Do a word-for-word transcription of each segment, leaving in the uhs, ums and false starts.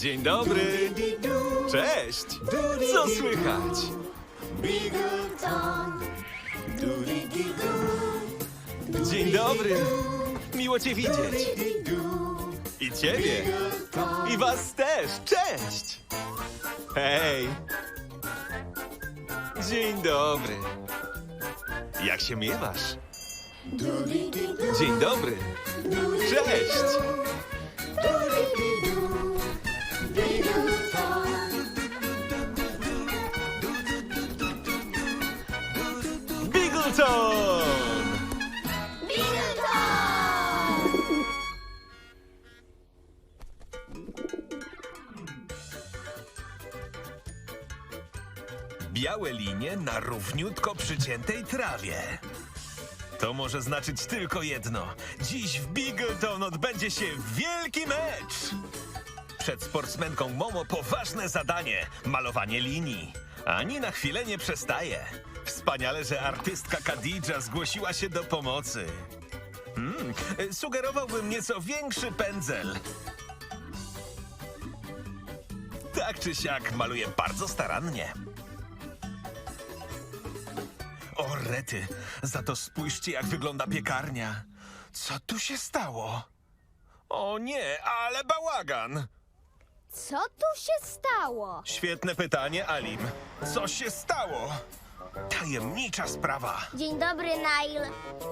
Dzień dobry. Cześć. Co słychać? Dzień dobry. Miło cię widzieć. I ciebie. I was też. Cześć. Hej. Dzień dobry. Jak się miewasz? Dzień dobry. Cześć. Bigleton! Białe linie na równiutko przyciętej trawie. To może znaczyć tylko jedno. Dziś w Bigleton odbędzie się wielki mecz! Przed sportsmenką Momo poważne zadanie – malowanie linii. Ani na chwilę nie przestaje. Wspaniale, że artystka Khadidża zgłosiła się do pomocy. Hmm, sugerowałbym nieco większy pędzel. Tak czy siak maluje bardzo starannie. O rety, za to spójrzcie, jak wygląda piekarnia. Co tu się stało? O nie, ale bałagan! Co tu się stało? Świetne pytanie, Alim. Co się stało? Tajemnicza sprawa. Dzień dobry, Nile.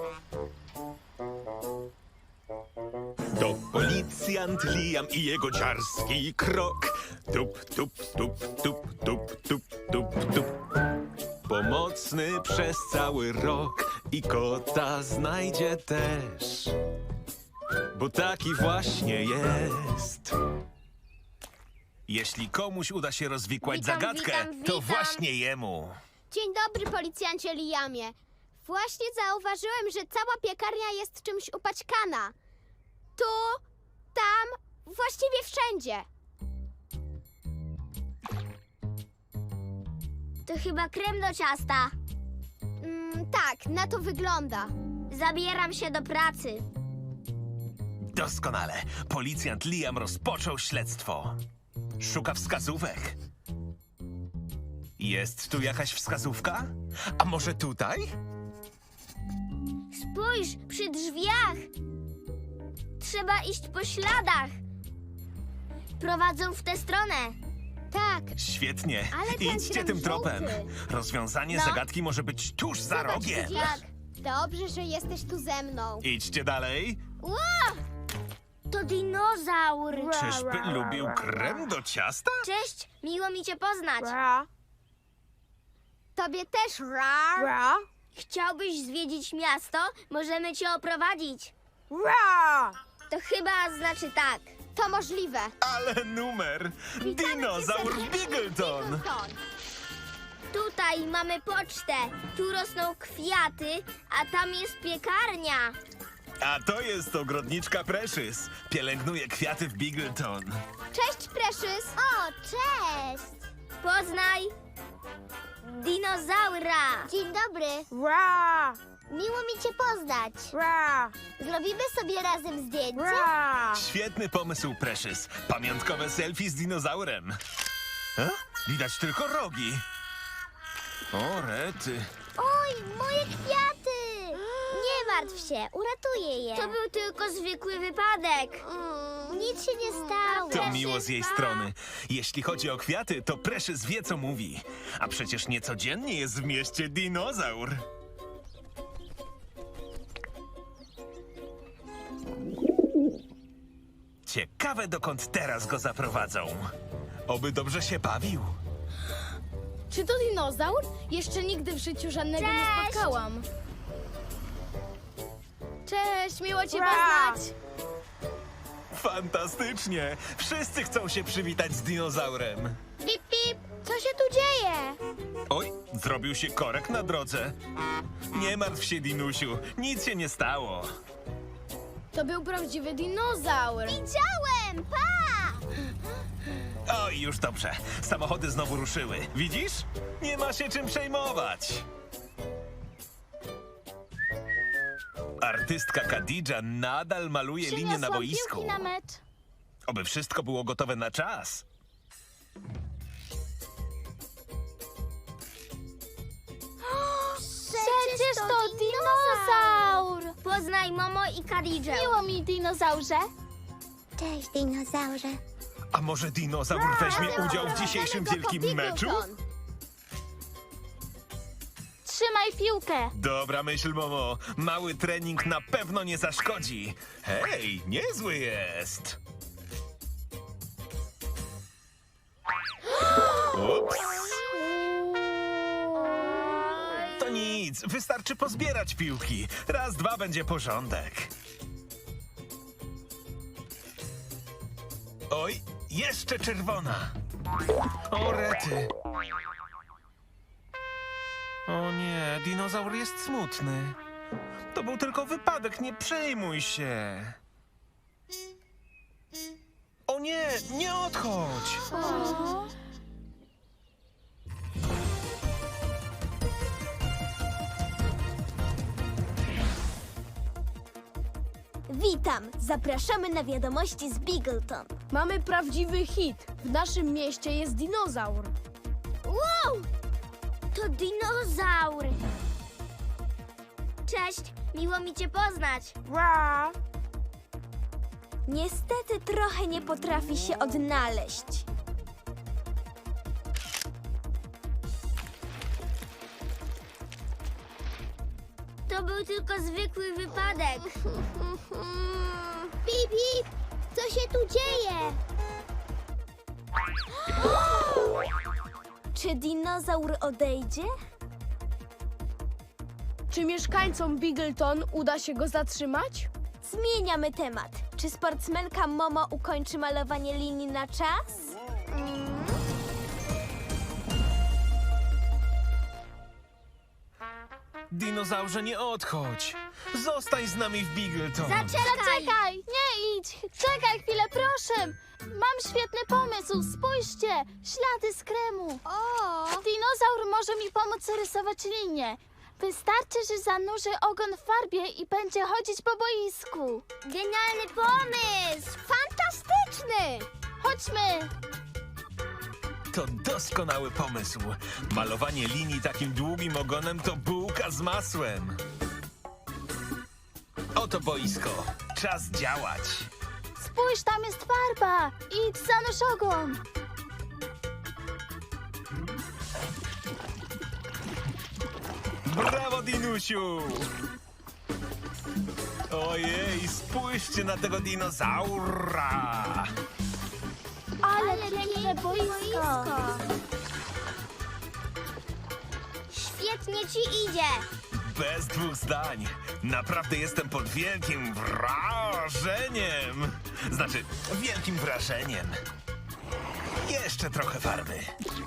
To policjant Liam i jego dziarski krok. Tup, tup, tup, tup, tup, tup, tup, tup. Pomocny przez cały rok i kota znajdzie też. Bo taki właśnie jest. Jeśli komuś uda się rozwikłać Witam, zagadkę, witam, to witam. właśnie jemu. Dzień dobry, policjancie Liamie. Właśnie zauważyłem, że cała piekarnia jest czymś upaćkana. Tu, tam, właściwie wszędzie. To chyba krem do ciasta. Mm, tak, na to wygląda. Zabieram się do pracy. Doskonale. Policjant Liam rozpoczął śledztwo. Szuka wskazówek. Jest tu jakaś wskazówka? A może tutaj? Spójrz, przy drzwiach. Trzeba iść po śladach. Prowadzą w tę stronę. Tak, Świetnie. Ale ten Idźcie krem tym tropem. żółty. Rozwiązanie No. zagadki może być tuż za zobacz, rogiem. widzisz? Dobrze, że jesteś tu ze mną. Idźcie dalej. To dinozaur. Czyżby lubił krem do ciasta? Cześć, miło mi cię poznać. Tobie też, rar. Chciałbyś zwiedzić miasto? Możemy cię oprowadzić. To chyba znaczy tak. To możliwe. Ale numer! Dinozaur Bigleton! Bigleton. Tutaj mamy pocztę. Tu rosną kwiaty, a tam jest piekarnia. A to jest ogrodniczka Precious. Pielęgnuje kwiaty w Bigleton. Cześć, Precious. O, cześć! Poznaj dinozaura. Dzień dobry. Miło mi cię poznać. Zrobimy sobie razem zdjęcie? Świetny pomysł, Precious. Pamiątkowe selfie z dinozaurem. A? Widać tylko rogi. O, rety. Oj, moje kwiaty! Nie martw się, uratuję je. To był tylko zwykły wypadek. Nic się nie stało. To miło z jej strony. Jeśli chodzi o kwiaty, to Precious wie, co mówi. A przecież niecodziennie jest w mieście dinozaur. Ciekawe, dokąd teraz go zaprowadzą. Oby dobrze się bawił. Czy to dinozaur? Jeszcze nigdy w życiu żadnego nie Cześć! spotkałam. Cześć, miło cię poznać. Fantastycznie! Wszyscy chcą się przywitać z dinozaurem. Pip, pip. Co się tu dzieje? Oj, zrobił się korek na drodze. Nie martw się, Dinusiu, nic się nie stało. To był prawdziwy dinozaur. Widziałem, pa! Oj, już dobrze. Samochody znowu ruszyły. Widzisz? Nie ma się czym przejmować. Artystka Khadidża nadal maluje linię na Przyniosłam boisku. piłki na mecz. Oby wszystko było gotowe na czas. Przecież to dinozaur! Poznaj Momo i Karidżę. Miło mi, dinozaurze. Cześć, dinozaurze. A może dinozaur weźmie udział w dzisiejszym wielkim meczu? Trzymaj piłkę. Dobra myśl, Momo. Mały trening na pewno nie zaszkodzi. Hej, niezły jest. Ups. To nic, wystarczy pozbierać piłki. Raz, dwa będzie porządek. Oj, jeszcze czerwona. O rety. O nie, dinozaur jest smutny. To był tylko wypadek, nie przejmuj się. O nie, nie odchodź. Witam, zapraszamy na wiadomości z Bigleton. Mamy prawdziwy hit. W naszym mieście jest dinozaur. Wow! To dinozaur! Cześć, miło mi cię poznać. Niestety trochę nie potrafi się odnaleźć. To był tylko zwykły wypadek. Pip, pip! Co się tu dzieje? Czy dinozaur odejdzie? Czy mieszkańcom Bigleton uda się go zatrzymać? Zmieniamy temat. Czy sportsmenka Momo ukończy malowanie linii na czas? Dinozaurze, nie odchodź. Zostań z nami w Bigleton. Zaczekaj! Nie idź! Czekaj chwilę, proszę! Mam świetny pomysł, spójrzcie! Ślady z kremu. O! Dinozaur może mi pomóc rysować linię. Wystarczy, że zanurzy ogon w farbie i będzie chodzić po boisku. Genialny pomysł! Fantastyczny! Chodźmy! To doskonały pomysł. Malowanie linii takim długim ogonem to bułka z masłem. Oto boisko. Czas działać. Spójrz, tam jest farba! Idź, zanurz ogon! Brawo, Dinusiu! Ojej, spójrzcie na tego dinozaura! Ale piękne boisko! Świetnie ci idzie! Bez dwóch zdań. Naprawdę jestem pod wielkim wrażeniem. Znaczy, wielkim wrażeniem. Jeszcze trochę farby.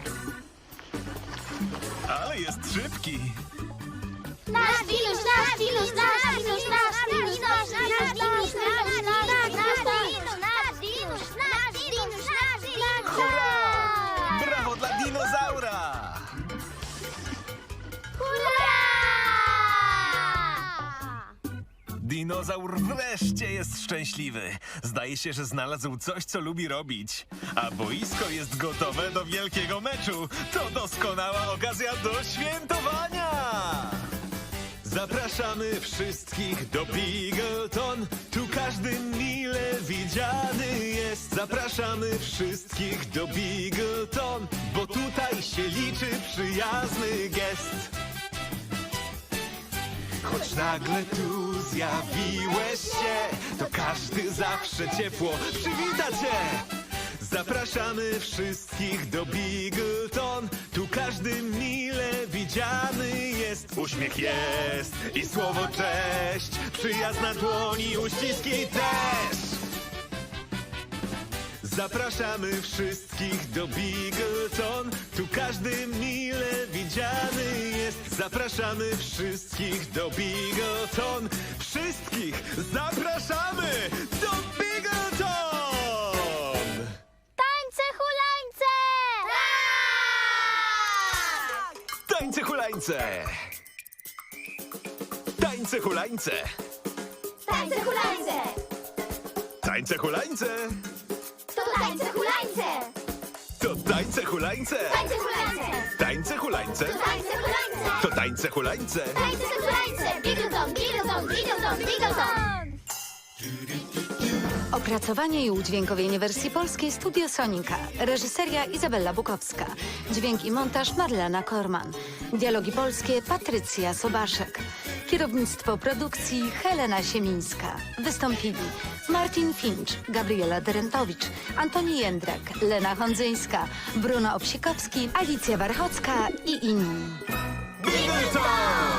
Ale jest szybki. Nasz dinuś, nasz dinuś, nasz dinuś, nasz dinuś, nasz dinuś, nasz dinuś, nasz dinuś! Hurra! Brawo dla dinozaura! Dinozaur wreszcie jest szczęśliwy. Zdaje się, że znalazł coś, co lubi robić. A boisko jest gotowe do wielkiego meczu. To doskonała okazja do świętowania! Zapraszamy wszystkich do Bigleton. Tu każdy mile widziany jest. Zapraszamy wszystkich do Bigleton, bo tutaj się liczy przyjazny gest. Choć nagle tu zjawiłeś się, to każdy zawsze ciepło przywita cię. Zapraszamy wszystkich do Bigleton. Tu każdy mile widziany jest. Uśmiech jest i słowo cześć. Przyjazd na dłoni, uściski też. Zapraszamy wszystkich do Bigleton. Tu każdy mile widziany jest. Zapraszamy wszystkich do Bigleton. Wszystkich zapraszamy do Bigleton! Tańce, hulańce! Tańce hulańce! Tańce hulańce! Tańce hulańce! Tańce hulańce! tańce hulańce! To tańce hulańce! Tańce hulańce! Tańce hulańce! Tańce hulańce! To tańce hulańce! Tańce hulańce! Bigleton, bigleton, bigleton, bigleton! Opracowanie i udźwiękowienie wersji polskiej Studio Sonika. Reżyseria Izabella Bukowska. Dźwięk i montaż Marlena Korman. Dialogi polskie Patrycja Sobaszek. Kierownictwo produkcji Helena Siemińska. Wystąpili Martin Finch, Gabriela Derentowicz, Antoni Jędrak, Lena Hondzyńska, Bruno Obsikowski, Alicja Warchocka i inni. Bigleton!